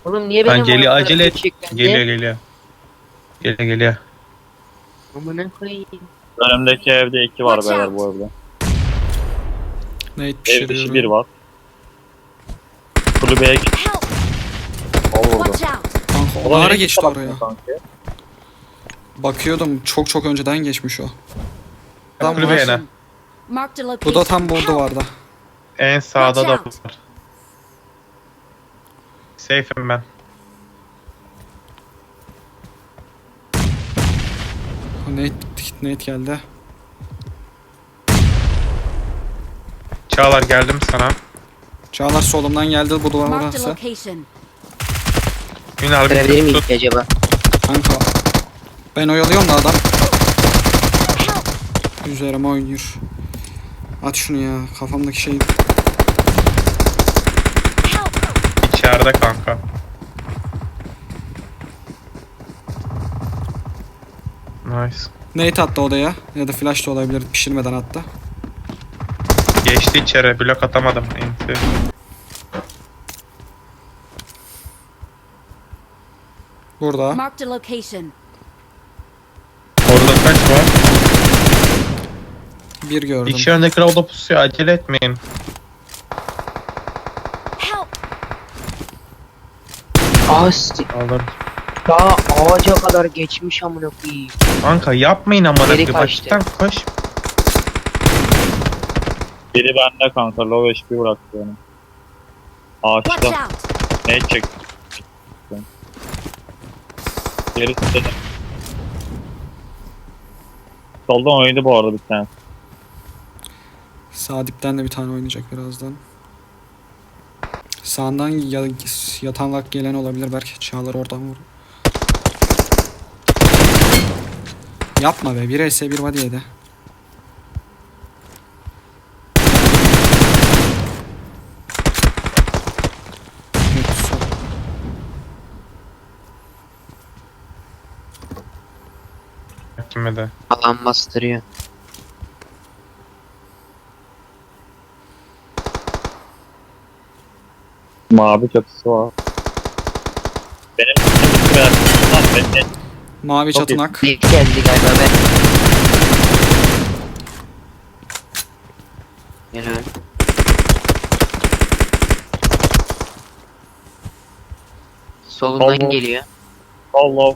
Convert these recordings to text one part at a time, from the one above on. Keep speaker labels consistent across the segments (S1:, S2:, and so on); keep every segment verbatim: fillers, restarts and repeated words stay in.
S1: Oğlum niye
S2: Lan
S1: benim
S2: geliyor,
S1: ayaklarım
S2: acele et.
S1: gerçekten
S2: Geliyor
S1: de?
S2: geliyor. Geliyor geliyor.
S1: Amına koyayım.
S3: Önümdeki evde iki var
S4: Watch
S3: beyler
S4: out.
S3: bu evde.
S5: Nate
S3: Ev dışı bir
S5: pişiriyorum.
S3: var. Kulübeye git.
S4: Help!
S3: Al vurdu.
S4: Watch out!
S5: Kanka o
S3: Ulan
S5: ara
S3: nereye
S5: geçti
S3: baktın
S5: oraya.
S3: sanki?
S5: Bakıyordum çok çok önceden geçmiş o. Adam
S2: Kulübeye
S5: var.
S2: ne?
S4: Marked a location.
S5: Bu da tam bu
S4: Help!
S5: duvarda.
S2: En sağda da
S4: Watch out.
S2: var. Safe'im ben.
S5: Nate, Nate geldi.
S2: Çağlar geldim sana.
S5: Çağlar solumdan geldi bu duvar
S4: Marked a
S5: orası.
S4: location.
S2: Ünal
S1: Görebilir
S2: bir
S1: miyim
S2: tut.
S1: ki acaba?
S5: Kanka. Ben oyalıyorum da adam
S4: Help!
S5: üzerime oynuyor. At şunu ya kafamdaki şey.
S4: Help!
S2: İçeride kanka. Nice.
S5: Nate attı odaya ya da flash da olabilir pişirmeden attı.
S2: Geçti içeri. Blok atamadım. Enti.
S5: Burada.
S4: Marked a location.
S2: Orada kaç var?
S5: Bir gördüm.
S2: İki öndeki lavda pusuyor. Acele etmeyin.
S4: Help!
S1: Asti.
S2: Alır.
S1: Daha ağaca kadar geçmiş amına koyayım.
S2: Kanka yapmayın ama.
S1: Geri
S2: da
S1: kaçtı.
S2: Baştan koş.
S3: Biri bende kanka. Low H P bıraktı beni.
S4: Watch
S3: Ağaçta.
S4: out!
S3: Ne çek? Gerisi de. Soldan oynadı bu arada bir tane.
S5: Sağ dipten de bir tane oynayacak birazdan. Sağından ya, yatanlak gelen olabilir belki. Çağlar oradan vur. Yapma be. Bir S bir body yedi. Evet, sol.
S2: Kime de.
S1: Alan bastırıyor.
S3: Mavi çatısı var. Benim çatısı var. Lan benim
S5: Mavi
S3: Çok
S5: çatınak.
S1: Bir geldi galiba ben. Helal. Solundan
S3: Allah.
S1: geliyor.
S3: Allah.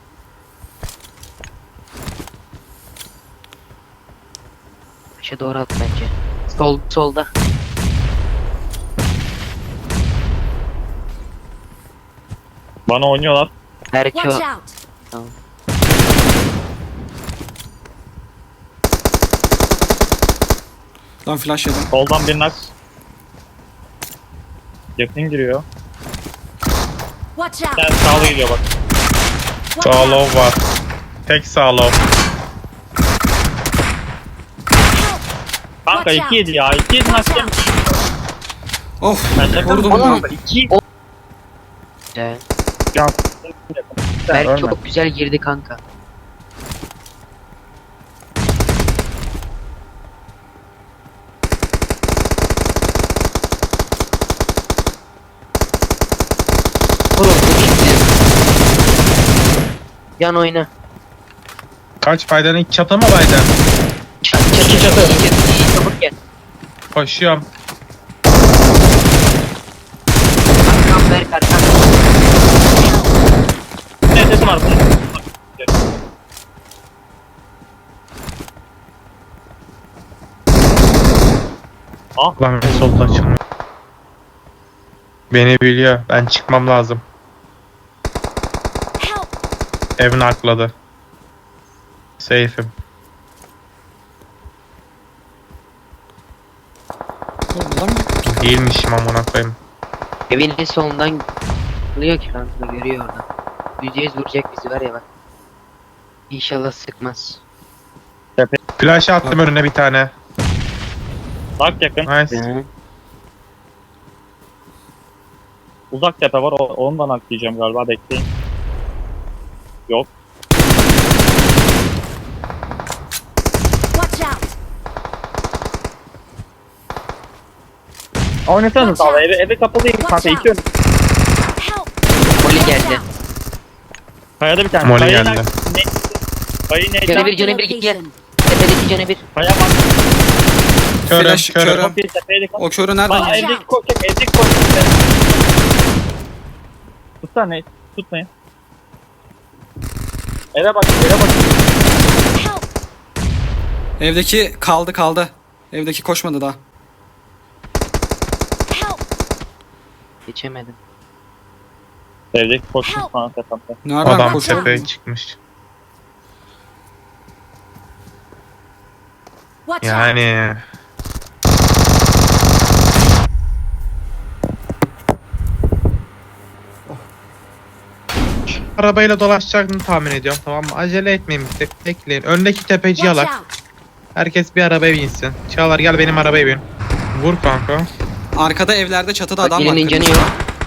S1: Başa doğru at bence. Sol, solda.
S3: Bana oynuyorlar.
S1: Belki o.
S4: Watch out!
S1: Tamam.
S5: Lan flash yedim.
S3: Soldan bir nak. Yakın giriyor.
S4: Watch
S3: Bir
S4: out!
S3: tane sağlı geliyor bak.
S4: Watch
S2: Sağ
S4: out!
S2: low var. Tek sağ low.
S3: Kanka
S4: Watch
S3: iki yedi ya. iki yedi nak
S4: Watch
S3: yemiş.
S5: Of.
S3: Ben şaka
S5: Vurdum
S3: mı?
S5: da.
S3: iki.
S1: Güzel.
S3: Ya.
S1: Berk
S3: Ölme.
S1: çok güzel girdi kanka. Oğlum bu gitti. Yan oyna.
S2: Kaç faydanın iç çatı mı Biden?
S1: Çat çatı çatı. İyi, iyi, iyi, çabuk gel.
S2: Koşuyorum.
S1: Arkam Berk arkam.
S3: Ne sesim var bunun? Ah.
S2: Lan solda açılmıyor. Beni biliyor. Ben çıkmam lazım.
S4: Help!
S2: Evin arkladı. Safe'im.
S5: Oğlum adam mı?
S2: Değilmişim amına koyayım.
S1: Evinin solundan buluyor ki kanka görüyor orada. Yüzde yüz vuracak bizi var ya bak. İnşallah sıkmaz.
S2: Flash attım önüne bir tane.
S3: Bak yakın.
S2: Nice.
S1: Hı.
S3: Uzak tepe var. o- Ondan atlayacağım galiba. Bekleyin. Yok.
S4: Watch out!
S3: Oynasanız
S4: Watch
S3: abi.
S4: out.
S3: Evi, evi kapalıyım
S4: Watch
S3: kanka.
S4: out.
S3: İki önüm.
S4: Help!
S3: Kayada bir tane.
S2: Molly
S3: Kayayı
S2: geldi.
S3: nak- Ne? Kayayı ne?
S1: Canı bir,
S4: Marked a
S1: canı bir gitti.
S4: location.
S1: Tepedeki canı bir.
S3: Kaya bak.
S2: Körüm
S5: Flash,
S2: körüm.
S5: körüm.
S3: Çok iyi tepeye dikkat.
S5: O körü nereden
S3: Bak
S5: yedin?
S3: evdeki koşacak. Evdeki koşacak. Tutsana ne? Tutmayın. Eve bak. Eve bak.
S4: Help!
S5: Evdeki kaldı kaldı. Evdeki koşmadı daha.
S4: Help!
S1: Geçemedim.
S3: Evdeki koşmuş falan tepemde.
S5: Nereden
S2: Adam
S5: koşuyor?
S2: tepeye çıkmış.
S4: Watch out!
S2: Yani arabayla dolaşacağını tahmin ediyorum, tamam mı? Acele etmeyin, bir tek bekleyin. Öndeki tepeci
S4: Watch
S2: yalak.
S4: out!
S2: Herkes bir arabaya binsin. Çağlar gel benim arabaya bin. Vur kanka.
S5: Arkada evlerde çatıda
S1: Bak
S5: adam var.
S1: birinin canı
S5: kırmızı.
S1: yok.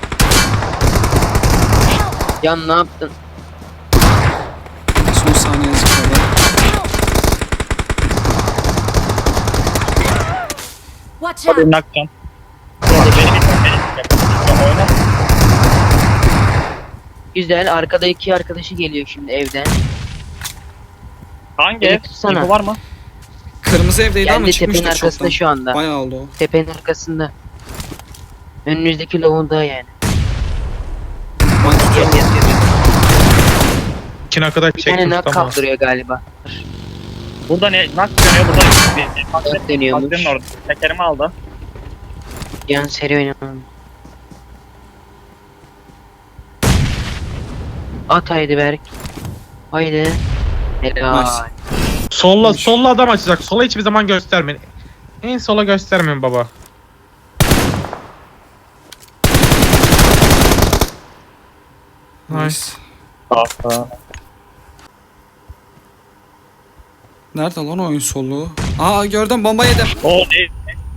S1: Can ne yaptın?
S5: Son saniye zıpladı.
S4: Watch
S3: Hadi
S4: out!
S3: nakcan. Beni bir beni oyna.
S1: Güzel. Arkada iki arkadaşı geliyor şimdi evden.
S3: Hangi
S1: Beni
S3: ev?
S1: tutsana.
S3: İnfo var mı?
S5: Kırmızı evdeydi ama
S1: Geldi tepenin
S5: çıkmıştır
S1: arkasında
S5: çoktan.
S1: şu anda.
S5: Bayağı oldu o.
S1: Tepenin arkasında. Önünüzdeki lavunda yani.
S5: Ben tutuyorum.
S1: Gel yatıyor.
S2: İki nakada
S1: Bir tane
S2: çekmiş,
S1: nak
S2: tamam.
S1: kaldırıyor galiba.
S3: Burada ne? Nak dönüyor. Burada bir bak
S1: Nak dönüyormuş.
S3: Baktığın orada. Tekerimi aldı.
S1: Yan seri oynamam. At haydi Berk. Haydi. Helal.
S5: Nice.
S2: Solla, solla adam açacak. Sola hiçbir zaman göstermeyin. En sola göstermeyin baba.
S5: Nice.
S3: Aa,
S5: Nerede lan oyun soluğu? Aa gördüm, bomba yedim.
S3: o ne?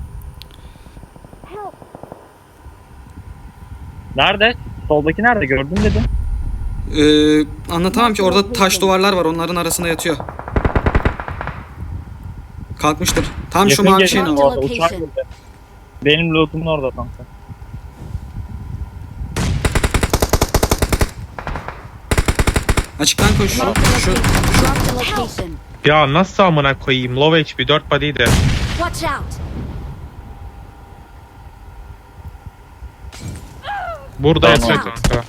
S3: Nerede? Soldaki nerede? Gördün dedim.
S5: Ee, anlatamam ki, orada taş duvarlar var, onların arasında yatıyor. Kalkmıştır. Tam şu
S3: Yakın
S5: mavi
S3: gelin
S5: şeyin
S4: Marked
S5: o.
S3: orada. Uçak
S4: location.
S3: burada. Benim lootumun orada kanka.
S5: Açıktan koş. Şu,
S4: Marked a
S5: şu.
S4: location. Marked a location.
S2: Ya nasıl amına koyayım? Low H P dört body'ydi.
S4: Watch out!
S2: Burada
S3: Tamam.
S2: yatacak kanka.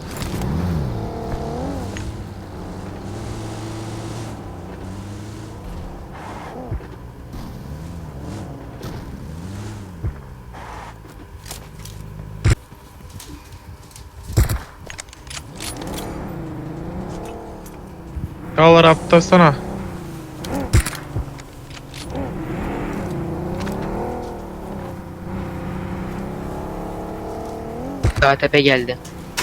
S2: Çağlar atlasana.
S1: Daha tepe geldi.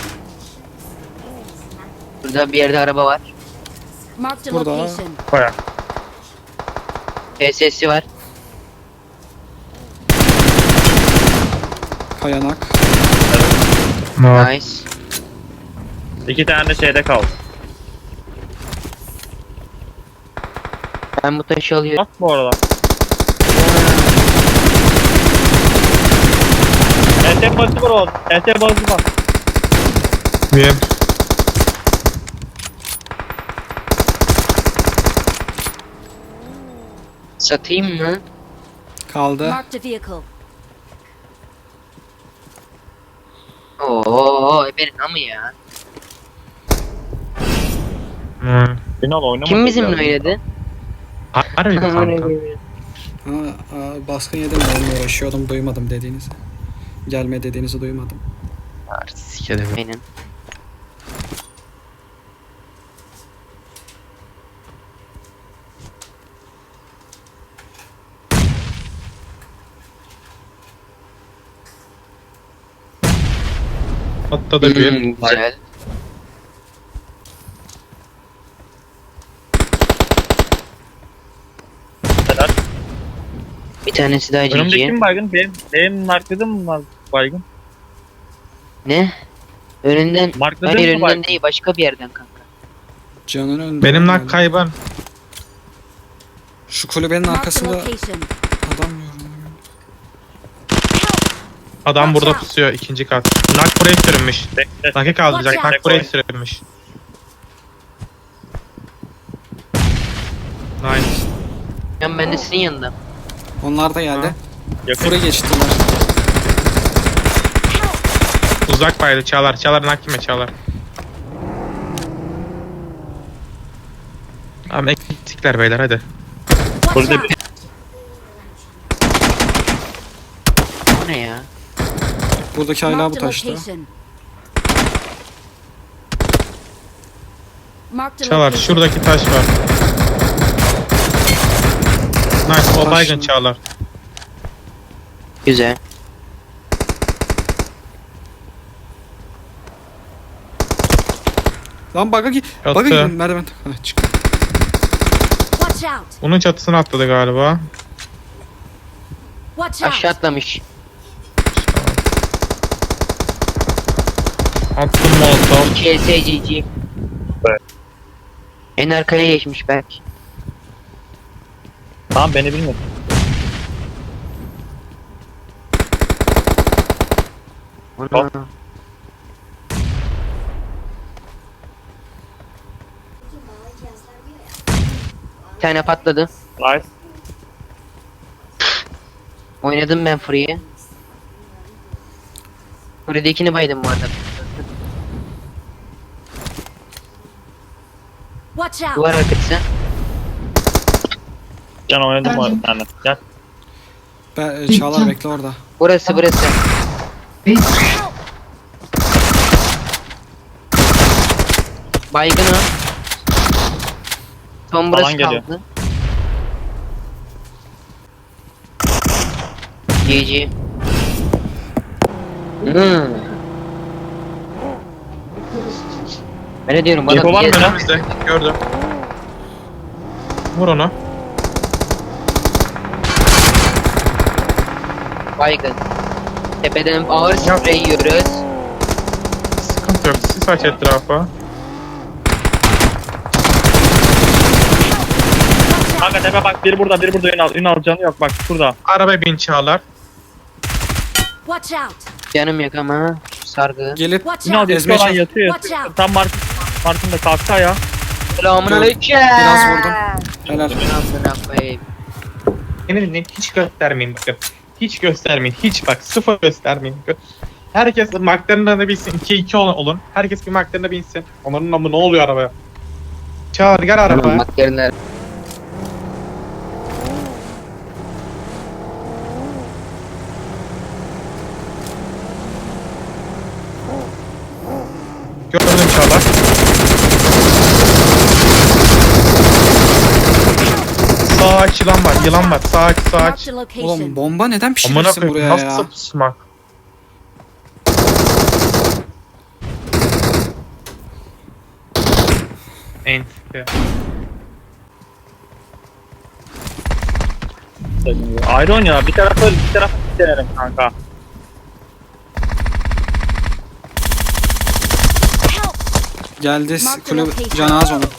S1: Burada bir yerde araba var.
S4: Marked a
S5: Burada.
S4: location.
S2: Baya.
S1: P S'si var.
S5: Kayanak.
S1: Nice.
S3: İki tane de şeyde kaldı.
S1: Ben bu taşı alıyorum.
S3: Bak bu arada. S T bazı var oğlum. S T bazı var.
S2: Bir.
S1: Satayım mı?
S5: Kaldı.
S4: Marked a vehicle.
S1: Oo, Eber'in amı ya.
S2: Hmm.
S3: Ünal oynamadı.
S1: Kim bizimle
S3: ya.
S1: oynadı?
S2: Harbi mi kanka?
S5: Ha, aa, baskın yedim de onunla uğraşıyordum, duymadım dediğinizi. Gelme dediğinizi duymadım.
S2: Sikerim.
S1: Benim.
S2: Hatta da bir.
S1: Hmm, güzel.
S3: Helal.
S1: Bir tanesi daha
S3: Önümdeki
S1: C C.
S3: kim baygın? Benim, benim markladım mı var baygın?
S1: Ne? Önünden.
S3: Markladın
S1: Hayır
S3: mı
S1: önünden
S3: baygın?
S1: değil, başka bir yerden kanka.
S5: Canın önünde.
S2: Benim
S5: yani.
S2: nak kaybım.
S5: Şu kulübenin
S4: Marked a
S5: arkasında
S4: location.
S5: adam gördüm.
S2: Adam burada
S4: Watch out.
S2: pusuyor ikinci kat. Nak buraya sürünmüş.
S3: Bekle.
S2: Nak'ı kaldıracak.
S4: Watch
S2: Nak
S3: out.
S2: buraya sürünmüş. Nice.
S1: Ben ben de senin yanında.
S5: Onlar da geldi.
S3: Yakın.
S5: Fırı geçtiler.
S2: Uzak baydı Çağlar. Çağlar'ın hakime Çağlar. Tamam eksikler beyler hadi.
S4: Watch
S3: Burada
S4: out!
S3: bir
S1: Bu ne ya?
S5: Buradaki hala bu
S4: Marked a
S5: taşta.
S4: location. Marked a
S2: Çağlar
S4: location.
S2: şuradaki taş var. Nice o
S5: Taş
S2: baygın
S5: mı?
S2: Çağlar.
S1: Güzel.
S5: Lan bug'a git.
S2: Yattı.
S5: Bug'a gidin merdiven. Hah çık.
S4: Watch out!
S2: Bunun çatısına atladı galiba.
S4: Watch
S1: Aşağı
S4: out!
S1: atlamış.
S2: Attım molotov.
S1: K S G G.
S3: Evet.
S1: En arkaya geçmiş belki.
S3: Tamam beni bilmiyor.
S1: Ana. Bir tane patladı.
S3: Nice.
S1: Oynadım ben Free'yi. Free'dekini baydım bu arada.
S4: Watch out!
S1: Duvar arkası.
S3: Can oynadım var bir tane. Gel.
S5: Be e, Çağlar bekle orada.
S1: Burası burası. Baygın o. Son burası
S3: Alan geliyor.
S1: kaldı. G G. Hmm. Ben ne diyorum bana
S3: Info var mı
S1: bir-
S3: lan?
S2: Önümüzde gördüm. Vur onu.
S1: Baygın. Tepeden ağır sprey yiyoruz.
S2: Sıkıntı yok. Sis aç etrafa.
S3: Kanka tepe bak biri burada biri burada Ünal. Ünal canı yok bak şurada.
S2: Araba bin Çağlar.
S4: Watch out!
S1: Canım yok ama sargı.
S5: Gelip
S4: Watch
S3: Ünal
S4: out!
S3: bir
S5: Ezme
S3: olan
S5: çek.
S3: yatıyor
S4: Watch
S3: yatıyor.
S4: out.
S3: Tam Mark'ın Mark'ın da kalktı ya.
S1: Selamun aleyküm.
S5: biraz vurdum. Helal.
S1: Amına koyayım.
S2: Beni dinleyin hiç göstermeyin bakın. Hiç göstermeyin. Hiç bak sıfır göstermeyin. Gö- Herkes marklarında bilsin. iki iki olun. Herkes bir marklarına binsin. Onların namı ne oluyor arabaya? Çağır gel
S1: Tamam
S2: arabaya.
S1: bak yerler.
S2: Gördüm Çağlar. Sağ aç yılan var. Yılan var. Sağ aç sağ aç.
S4: Marked a location.
S5: Oğlum bomba neden
S2: Amına
S5: pişirirsin
S2: koyayım
S5: buraya ya?
S2: nasıl pusmak? Enti.
S3: Ayrı oynuyor. Bir tarafı öl, bir tarafı denerim kanka.
S4: Help!
S5: Geldi
S4: Mark the
S5: kulüp
S4: location.
S5: canı az onun.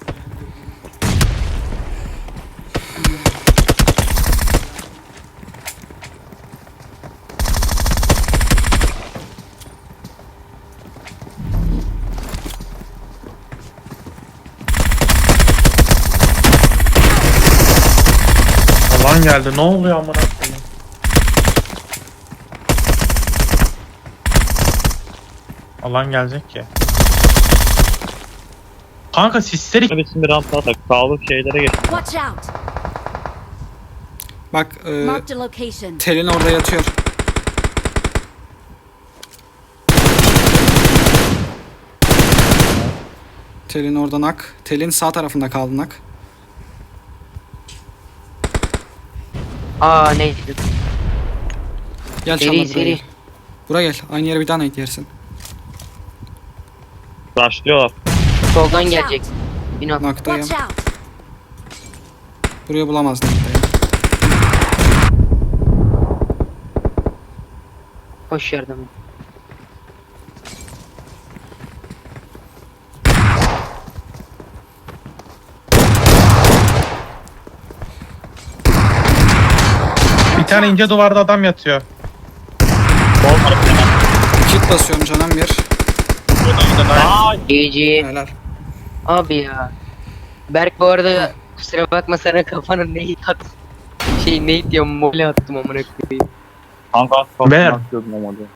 S2: Alan geldi. Ne oluyor amına koyayım? Alan gelecek ki. Kanka sisleri
S3: Hadi şimdi rampa atak. Sağlık şeylere geç.
S4: Watch out!
S5: Bak e,
S4: Marked a location.
S5: telin orada yatıyor. Telin orada nak. Telin sağ tarafında kaldı nak.
S1: Aa neydi?
S5: Gel
S1: Seri,
S5: Çağlar buraya
S1: seri.
S5: gel. Buraya gel. Aynı yere bir daha nade yersin.
S3: Rushlıyorlar.
S1: Soldan
S4: Watch
S1: gelecek.
S4: out!
S1: Bin al.
S5: Naktayım.
S4: Watch out!
S5: Buraya bulamaz naktayı.
S1: Koş yardıma.
S2: bir tane ince duvarda adam yatıyor.
S3: Olmadı hemen.
S5: Kit basıyorum canım bir.
S3: Aa,
S1: G G.
S5: Helal.
S1: Abi ya. Berk bu arada Kusura bakma sana kafana nade at. Şey nade diyorum mole attım amına koyayım.
S3: Kanka az kalsın
S2: Ver.
S3: atıyordum o modu.